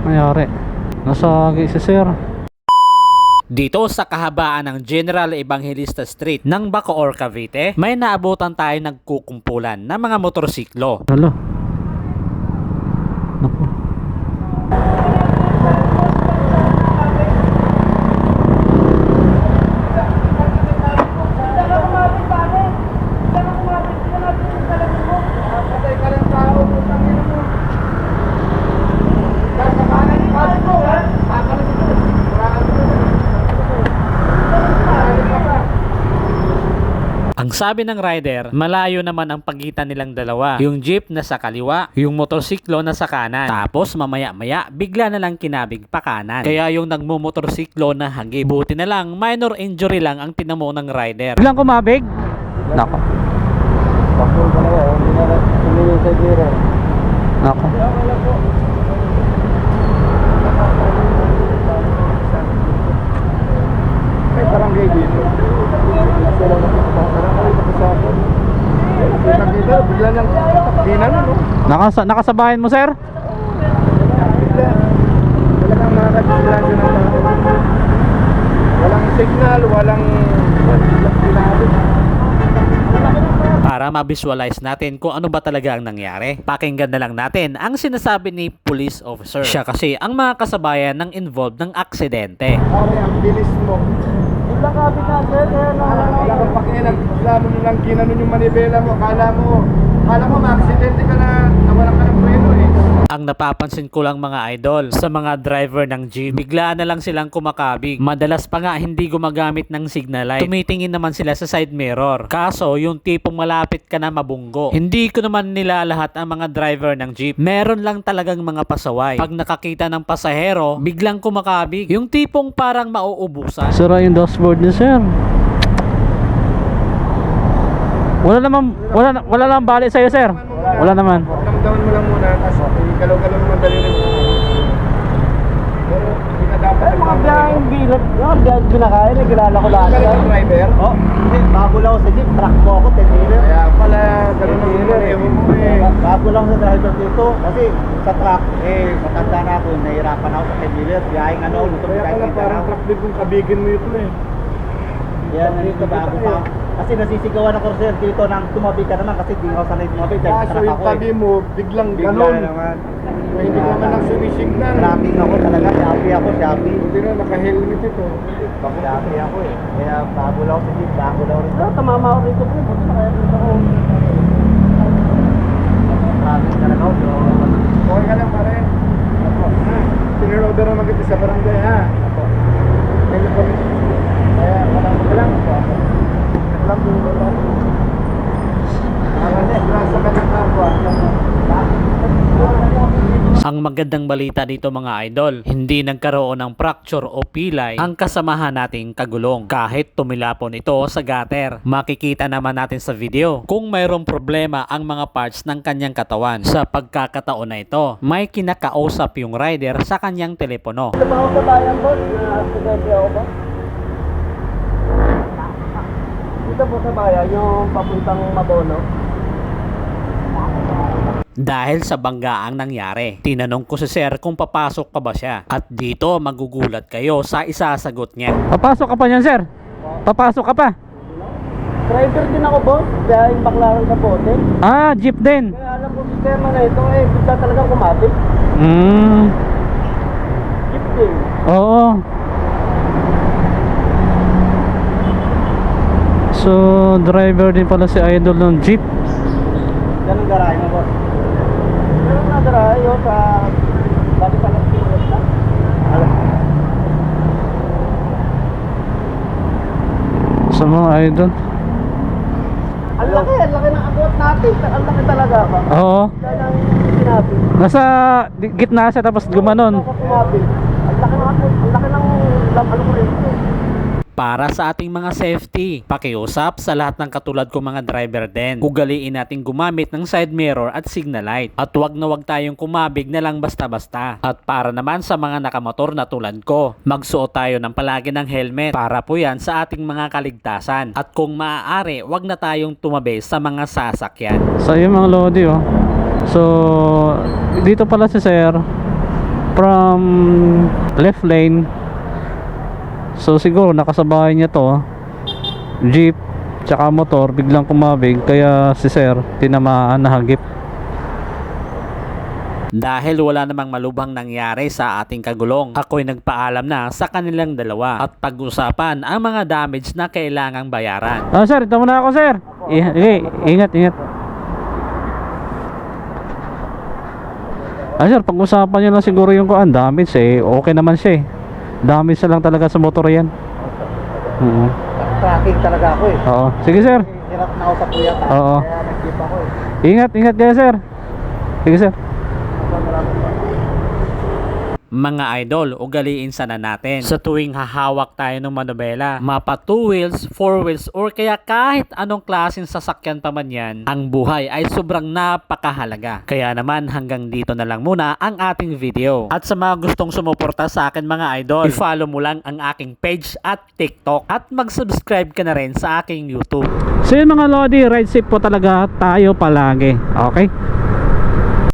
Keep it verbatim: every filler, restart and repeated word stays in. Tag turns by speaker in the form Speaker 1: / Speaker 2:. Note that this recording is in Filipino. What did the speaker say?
Speaker 1: nangyari? Nasagi si sir.
Speaker 2: Dito sa kahabaan ng General Evangelista Street ng Bacoor, Cavite, may naabutan tayo nagkukumpulan ng mga motorsiklo.
Speaker 1: Hala. Naku.
Speaker 2: Ang sabi ng rider, malayo naman ang pagitan nilang dalawa. Yung jeep na sa kaliwa, yung motorsiklo na sa kanan. Tapos mamaya-maya, bigla na lang kinabig pa kanan. Kaya yung nagmumotorsiklo na hagi. Buti na lang, minor injury lang ang tinamo ng rider.
Speaker 1: Biglang kumabig? Nako.
Speaker 3: Bakul ka na ba? Hindi na tumingin sa gira.
Speaker 1: Nako.
Speaker 3: May barangay dito. Kita bigla niyang dinan, no?
Speaker 1: Nakasa nakasabayan mo, sir?
Speaker 3: Bigla. Talagang makakabiglaan yun ang tao. Walang signal, walang
Speaker 2: Para ma-visualize natin kung ano ba talaga ang nangyari, pakinggan na lang natin ang sinasabi ni police officer. Siya kasi ang mga kasabayan ng involved ng aksidente.
Speaker 3: Pare, ang bilis mo. Wala ka, binasir. Wala kang pakialam. Wala mo nilang ginanon yung manibela mo. Akala mo, akala mo ma-aksidente ka na, nawalan ka ng preno eh.
Speaker 2: Ang napapansin ko lang mga idol, sa mga driver ng jeep, bigla na lang silang kumakabig. Madalas pa nga hindi gumagamit ng signal light. Tumitingin naman sila sa side mirror. Kaso yung tipong malapit ka na mabunggo. Hindi ko naman nila lahat ang mga driver ng jeep. Meron lang talagang mga pasaway. Pag nakakita ng pasahero, biglang kumakabig. Yung tipong parang mauubusan.
Speaker 1: Sira yung dashboard niya, sir. Wala naman, wala, wala naman bali sa'yo, sir. Wala naman.
Speaker 3: Damdaman mo lang muna, tapos galaw-galaw naman dali rin. Pero hindi na dapat. Ay, mga biyaheng bilat. Yung biyaheng binakain, nagkilala ko lahat. Kaya yung driver? Oo. Hindi, bago lang ako sa jeep. Truck mo ako, ten wheeler. Kaya pala, gano'n ang pareho mo eh. Bago lang sa driver dito. Kasi sa truck, eh, matanda na ako. Nahirapan ako sa ten wheeler. Biyaheng ano, luto biyaheng kita. Kaya pala parang truck din kung kabigin mo ito eh. Yan, nandito bago pa. Kasi nasisigawan ako sir dito nang tumabi ka naman kasi di ako sanay tumabi dahil sa truck ako eh. Tabi mo, biglang ganon. Naman. Hindi ka naman lang sumisignal. Tracking ako talaga, sabi ako, sabi. Hindi na, naka-helmet ito. Sabi ako eh. Kaya bago lang ako sa jeep, bago lang ako rin. Ah, tamama ako rito pre, buti na kaya rito ako. Tracking talaga ako. Okay ka lang pa rin. Apo. Sinirorder naman kita sa barangay ha. Apo. Kaya walang magalang po ako.
Speaker 2: Ang magandang balita dito mga idol, hindi nagkaroon ng fracture o pilay ang kasamahan nating kagulong kahit tumilapon ito sa gutter. Makikita naman natin sa video kung mayroong problema ang mga parts ng kanyang katawan. Sa pagkakataon na ito, may kinakausap yung rider sa kanyang telepono.
Speaker 3: Sa mga kabayan ko, na-accidente ako ba? Dito po sa bayan, yung papuntang Mabono.
Speaker 2: Dahil sa banggaang nangyari, tinanong ko si sir kung papasok pa ba siya. At dito magugulat kayo sa isasagot niya.
Speaker 1: Papasok ka pa niyan, sir? Papasok ka pa?
Speaker 3: Driver din ako boss, kaya yung baklaran sa bote.
Speaker 1: Ah, jeep din.
Speaker 3: Kaya alam ko sistema na ito eh, bigla talagang kumapit.
Speaker 1: Hmm.
Speaker 3: Jeep din.
Speaker 1: Oo. So, driver din pala si idol ng jeep.
Speaker 3: Ganun garahe mo boss. Ganun na garahe yun sa bali sa nagpilit na.
Speaker 1: Sa mga idol.
Speaker 3: Ang laki, ang laki ng abot natin. Ang laki talaga ba?
Speaker 1: Oo.
Speaker 3: Kaya nang sinabi.
Speaker 1: Nasa di- gitna siya tapos gumanon.
Speaker 3: Ako kumapit. Ang laki ng abot, ang laki ng lam, ano ko rin.
Speaker 2: Para sa ating mga safety, pakiusap sa lahat ng katulad kong mga driver din. Ugaliin natin gumamit ng side mirror at signal light. At wag na wag tayong kumabig na lang basta-basta. At para naman sa mga nakamotor na tulad ko, magsuot tayo ng palagi ng helmet para po yan sa ating mga kaligtasan. At kung maaari, wag na tayong tumabi sa mga sasakyan.
Speaker 1: So yung mga lodi oh. So dito pala si sir from left lane. So siguro nakasabay niya to, jeep tsaka motor, biglang kumabig kaya si sir tinamaan, nahagip.
Speaker 2: Dahil wala namang malubhang nangyari sa ating kagulong, ako'y nagpaalam na sa kanilang dalawa at pag-usapan ang mga damage na kailangang bayaran.
Speaker 1: Ah sir, ito muna ako sir. I- okay, ingat, ingat. Ah sir, pag-usapan nyo lang siguro yung kuan, damage eh, okay naman siya eh. Damage na lang talaga sa motor yan. Oo.
Speaker 3: Tracking talaga ako eh.
Speaker 1: Oo. Sige sir.
Speaker 3: Hirap na ako sa kuya.
Speaker 1: Oo.
Speaker 3: Kaya nag-jeep ako eh.
Speaker 1: Ingat, ingat kayo sir. Sige sir.
Speaker 2: Mga idol, ugaliin sana natin sa tuwing hahawak tayo ng manobela, mapa two wheels, four wheels, or kaya kahit anong klaseng sasakyan pa man yan, ang buhay ay sobrang napakahalaga. Kaya naman hanggang dito na lang muna ang ating video. At sa mga gustong sumuporta sa akin mga idol, i-follow mo lang ang aking page at TikTok at mag-subscribe ka na rin sa aking YouTube.
Speaker 1: So yun mga Lodi, ride safe po talaga tayo palagi. Okay?